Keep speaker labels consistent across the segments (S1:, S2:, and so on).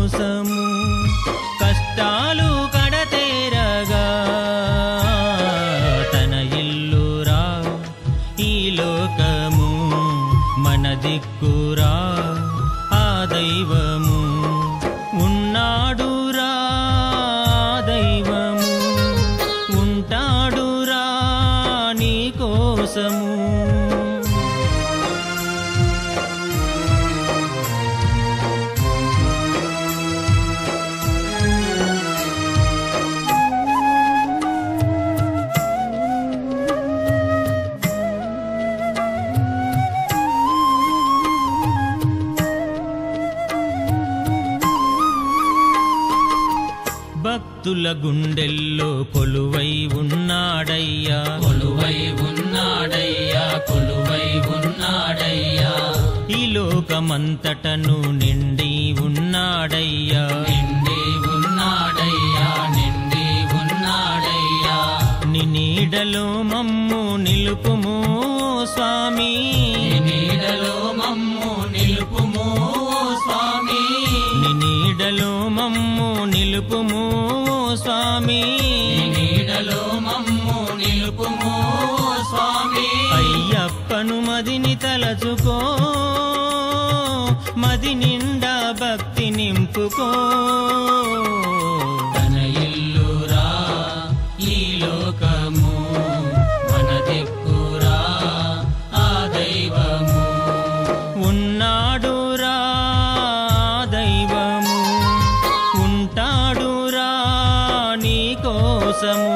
S1: కోసము కష్టాలు కడతేరగా తన ఇల్లురా ఈ లోకము మన దిక్కురా ఆ దైవము ఉన్నాడురా దైవము ఉంటాడురా నీ కోసము భక్తుల గుండెల్లో కొలువై ఉన్నాడయ్యా
S2: కొలువై ఉన్నాడయ్యా కొలువై ఉన్నాడయ్యా
S1: ఈ లోకమంతటను నిండి ఉన్నాడయ్యా
S2: నిండి ఉన్నాడయ్యా నిండి ఉన్నాడయ్యా
S1: నీ నీడలో మమ్ము నిలుపుము స్వామి
S2: నీ నీడలో మమ్ము నిలుపుము స్వామి
S1: నీ నీడలో మమ్ము నిలుపుము స్వామి
S2: నీ నీడలో మమ్ము నిలుపుము స్వామి
S1: అయ్యప్పను మదిని తలచుకో మది నిండా భక్తి నింపుకో
S2: తన ఇల్లురా ఈ లోకము మన దిక్కురా ఆ దైవము
S1: ఉన్నాడురా దైవము ఉంటాడురా నీ కోసము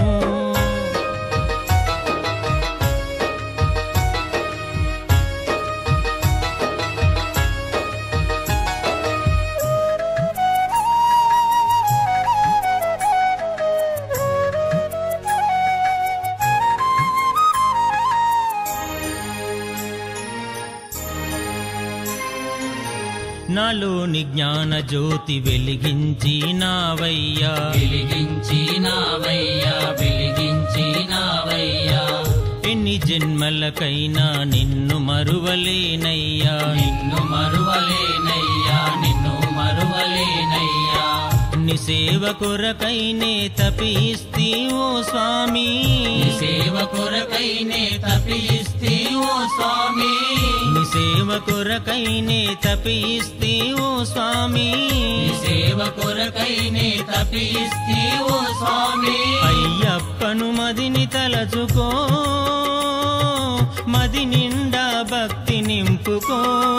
S1: నాలోని జ్ఞాన జ్యోతి వెలిగించినావయ్యా
S2: వెలిగించినావయ్యా వెలిగించినావయ్యా
S1: ఎన్ని జన్మలకైనా నిన్ను మరువలేనయ్యా
S2: నిన్ను మరువలేనయ్యా నిన్ను మరువలేనయ్యా
S1: నీ సేవ కొరకైనే తపిస్తి ఓ స్వామి
S2: నీ సేవ కొరకైనే తపిస్తి ఓ స్వామి
S1: నీ సేవ కొరకైనే తపిస్తి ఓ స్వామి
S2: నీ సేవ కొరకైనే తపిస్తి ఓ స్వామి
S1: అయ్యప్పను మదిని తలచుకో మది నిండా భక్తి నింపుకో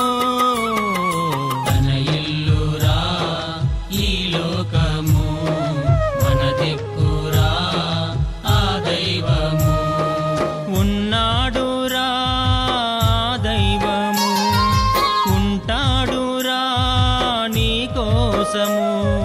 S2: తన ఇల్లురా ఈ లోకము మన దిక్కురా ఆ దైవము
S1: ఉన్నాడురా దైవము ఉంటాడురా నీ కోసము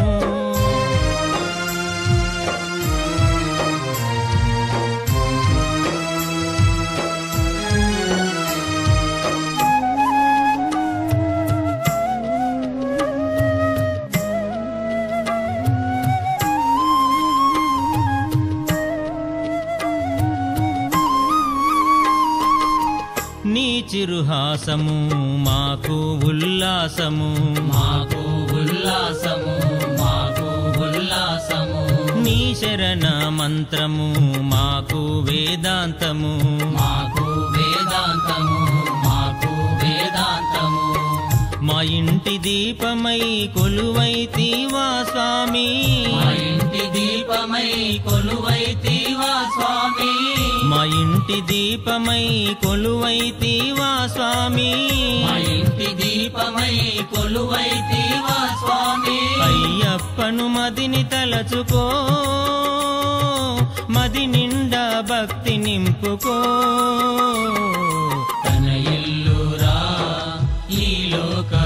S1: నీ చిరుహాసము మాకు ఉల్లాసము
S2: మాకు ఉల్లాసము మాకు ఉల్లాసము
S1: నీ శరణ మంత్రము మాకు వేదాంతము
S2: మాకు వేదాంతము మాకు వేదాంతము
S1: మా ఇంటి దీపమై కొలువైతివా స్వామి
S2: మా ఇంటి దీపమై కొలువైతివా స్వామి
S1: మా ఇంటి దీపమై కొలువైతివా స్వామి
S2: మా ఇంటి దీపమై కొలువైతివా స్వామి
S1: అయ్యప్పను మదిని తలచుకో మది నిండా భక్తి నింపుకో
S2: తన ఇల్లురా ఈ లోక